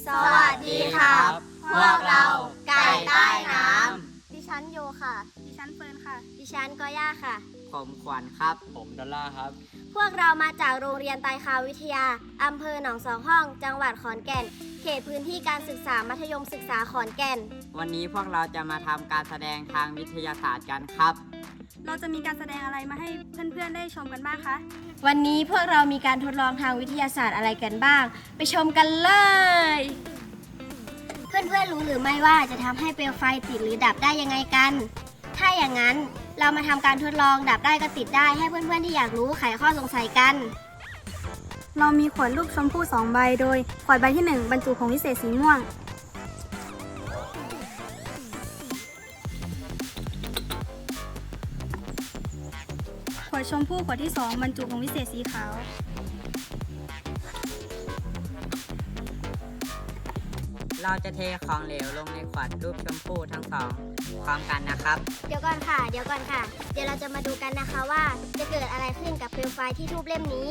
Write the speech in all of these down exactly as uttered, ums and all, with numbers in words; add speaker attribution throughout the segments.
Speaker 1: สวัสดีครับพวกเราไก่ใต้น้ำดิฉันโยค่ะดิฉันเฟิร์นค่ะดิฉันกอย่าค่ะ
Speaker 2: ผมขวัญครับผมดอลล่าครับ
Speaker 1: พวกเรามาจากโรงเรียนไตรคาวิทยาอำเภอหนองสองห้องจังหวัดขอนแก่นเขตพื้นที่การศึกษามัธยมศึกษาขอนแก่น
Speaker 2: วันนี้พวกเราจะมาทำการแสดงทางวิทยาศาสตร์กันครับ
Speaker 3: เราจะมีการแสดงอะไรมาให้เพื่อนๆได้ชมกันบ้างคะ
Speaker 1: วันนี้พวกเรามีการทดลองทางวิทยาศาสตร์อะไรกันบ้างไปชมกันเลยเพื่อนๆรู้หรือไม่ว่าจะทำให้เปลวไฟติดหรือดับได้ยังไงกันถ้าอย่างนั้นเรามาทำการทดลองดับได้ก็ติดได้ให้เพื่อนๆที่อยากรู้ไขข้อสงสัยกัน
Speaker 3: เรามีขวดลูกชมพู่สองใบโดยขวดใบที่หนึ่งบรรจุผงวิเศษสีม่วงขวดชมพู่ขวดที่สองบรรจุผงวิเศษสีขาว
Speaker 2: เราจะเทของเหลวลงในขวดรูปชมพู่ทั้งสองพร้อมกันนะครับ
Speaker 1: เดี๋ยวก่อนค่ะเดี๋ยวก่อนค่ะเดี๋ยวเราจะมาดูกันนะคะว่าจะเกิดอะไรขึ้นกับเปลวไฟที่ทูบเล่มนี้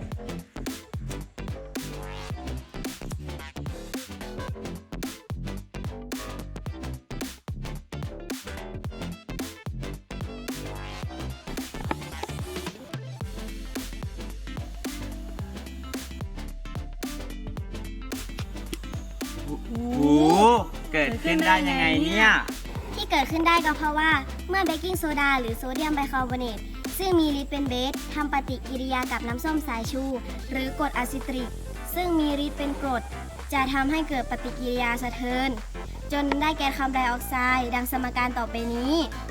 Speaker 2: โอ้โหเกิดขึ้นได้ยังไงเนี่ย
Speaker 1: ที่เกิดขึ้นได้ก็เพราะว่าเมื่อเบกกิ้งโซดาหรือโซเดียมไบคาร์บอเนตซึ่งมีฤทธิ์เป็นเบสทำปฏิกิริยากับน้ำส้มสายชูหรือกรดอะซิตริกซึ่งมีฤทธิ์เป็นกรดจะทำให้เกิดปฏิกิริยาสะเทือนจนได้แก๊สคาร์บอนไดออกไซด์ดังสมการต่อไปนี้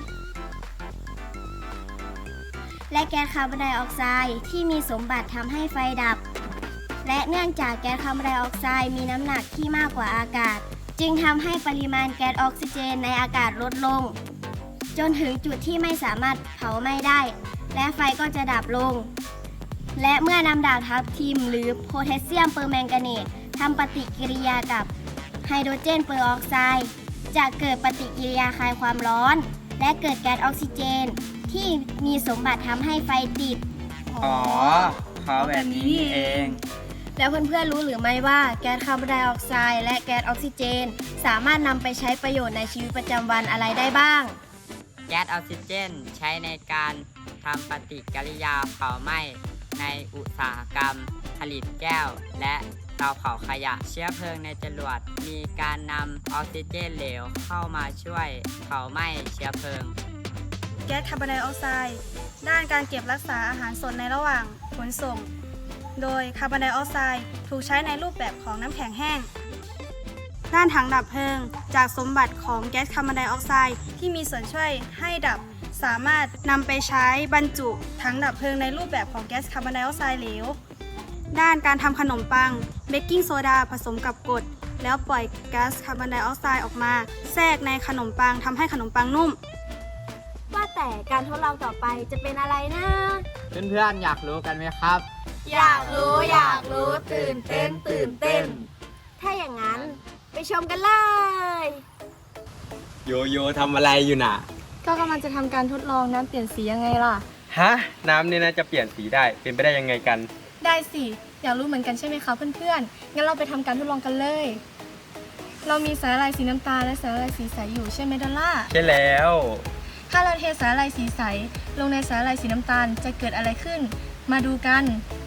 Speaker 1: และแก๊สคาร์บอนไดออกไซด์ที่มีสมบัติทำให้ไฟดับและเนื่องจากแก๊สคาร์บอนไดออกไซด์มีน้ำหนักที่มากกว่าอากาศจึงทำให้ปริมาณแก๊สออกซิเจนในอากาศลดลงจนถึงจุดที่ไม่สามารถเผาไหม้ได้และไฟก็จะดับลงและเมื่อนำดาบทับทิมหรือโพแทสเซียมเปอร์แมงกาเนตทำปฏิกิริยากับไฮโดรเจนเปอร์ออกไซด์จะเกิดปฏิกิริยาคลายความร้อนและเกิดแก๊สออกซิเจนที่มีสมบัติทำให้ไฟติด
Speaker 2: อ๋อเขาแบบนี้นี่เอง
Speaker 1: แล้วเพื่อนๆรู้หรือไม่ว่าแก๊สคาร์บอนไดออกไซด์และแก๊สออกซิเจนสามารถนำไปใช้ประโยชน์ในชีวิตประจำวันอะไรได้บ้าง
Speaker 2: แก๊สออกซิเจนใช้ในการทำปฏิกิริยาเผาไหม้ในอุตสาหกรรมผลิตแก้วและเตาเผาขยะเชื้อเพลิงในจรวดมีการนำออกซิเจนเหลวเข้ามาช่วยเผาไหม้เชื้อเพลิง
Speaker 3: แก๊สคาร์บอนไดออกไซด์ด้านการเก็บรักษาอาหารสดในระหว่างขนส่งโดยคาร์บอนไดออกไซด์ถูกใช้ในรูปแบบของน้ำแข็งแห้งด้านถังดับเพลิงจากสมบัติของแก๊สคาร์บอนไดออกไซด์ที่มีส่วนช่วยให้ดับสามารถนำไปใช้บรรจุถังดับเพลิงในรูปแบบของแก๊สคาร์บอนไดออกไซด์เหลวด้านการทำขนมปังเบกกิ้งโซดาผสมกับกรดแล้วปล่อยก๊าซคาร์บอนไดออกไซด์ออกมาแทรกในขนมปังทำให้ขนมปังนุ่ม
Speaker 1: ว่าแต่การทดลองต่อไปจะเป็นอะไรนะ
Speaker 2: เพื่อนๆอยากรู้กันไหมครับ
Speaker 1: อยากรู้อยากรู้ตื่นเต้นตื่นเต้นถ้าอย่างนั้นไปชมกันเลย
Speaker 4: โยโย่ทำอะไรอยู่น่ะ
Speaker 3: ก็กำลังจะทำการทดลองน้ำเปลี่ยนสียังไงล่ะ
Speaker 4: ฮะน้ำเนี่ยนะจะเปลี่ยนสีได้เป็นไปได้ยังไงกัน
Speaker 3: ได้สิอยากรู้เหมือนกันใช่ไหมคะเพื่อนๆงั้นเราไปทำการทดลองกันเลยเรามีสาหร่ายสีน้ำตาลและสาหร่ายสีใสอยู่ใช่ไหมดอลล่า
Speaker 4: ใช่แล้ว
Speaker 3: ถ้าเราเทสาหร่ายสีใสลงในสาหร่ายสีน้ำตาลจะเกิดอะไรขึ้นมาดูกัน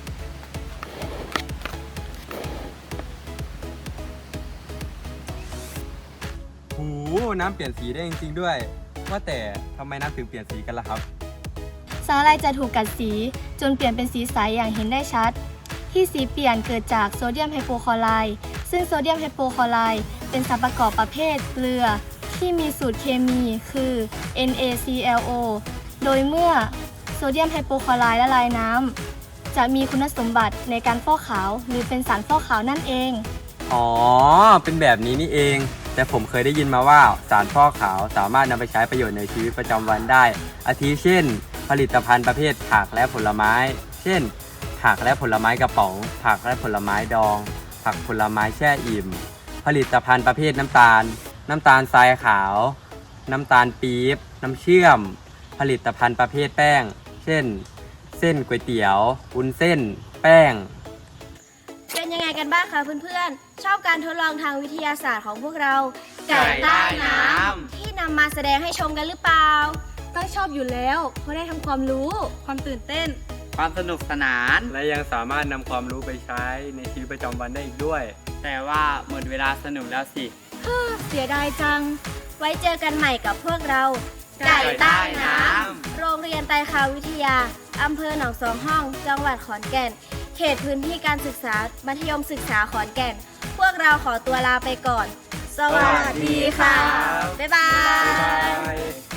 Speaker 4: โอ้โหน้ำเปลี่ยนสีได้จริงๆด้วยว่าแต่ทำไมน้ำถึงเปลี่ยนสีกันล่ะครับ
Speaker 3: สาหร่ายจะถูกกัดสีจนเปลี่ยนเป็นสีใสอย่างเห็นได้ชัดที่สีเปลี่ยนเกิดจากโซเดียมไฮโปคลอไรด์ซึ่งโซเดียมไฮโปคลอไรด์เป็นสารประกอบประเภทเกลือที่มีสูตรเคมีคือ เอ็น เอ ซี แอล โอ โดยเมื่อโซเดียมไฮโปคลอไรด์ละลายน้ำจะมีคุณสมบัติในการฟอกขาวหรือเป็นสารฟอกขาวนั่นเอง
Speaker 4: อ๋อเป็นแบบนี้นี่เองแต่ผมเคยได้ยินมาว่าสารฟอกขาวสามารถนำไปใช้ประโยชน์ในชีวิตประจำวันได้อาทิเช่นผลิตภัณฑ์ประเภทผักและผลไม้เช่นผักและผลไม้กระป๋องผักและผลไม้ดองผักผลไม้แช่อิ่มผลิตภัณฑ์ประเภทน้ำตาลน้ำตาลทรายขาวน้ำตาลปี๊บน้ำเชื่อมผลิตภัณฑ์ประเภทแป้งเช่นเส้นก๋วยเตี๋ยววุ้นเส้นแป้ง
Speaker 1: เป็นยังไงกันบ้างคะเพื่อนๆ ชอบการทดลองทางวิทยาศาสตร์ของพวกเรา ไก่ใต้น้ำที่นำมาแสดงให้ชมกันหรือเปล่า
Speaker 3: ต้องชอบอยู่แล้ว เพราะได้ทำความรู้ ความตื่นเต้น
Speaker 2: ความสนุกสนาน
Speaker 4: และยังสามารถนำความรู้ไปใช้ในชีวิตประจำวันได้อีกด้วย
Speaker 2: แต่ว่าหมดเวลาสนุกแล้วสิ
Speaker 3: เสียดายจัง
Speaker 1: ไว้เจอกันใหม่กับพวกเรา
Speaker 2: ไก่ใต้น้ำ
Speaker 1: โรงเรียนไตรคาวิทยา อำเภอหนองสองห้อง จังหวัดขอนแก่น เขตพื้นที่การศึกษา มัธยมศึกษาขอนแก่น พวกเราขอตัวลาไปก่อน สวัสดีค่ะ บ๊ายบาย
Speaker 4: Bye.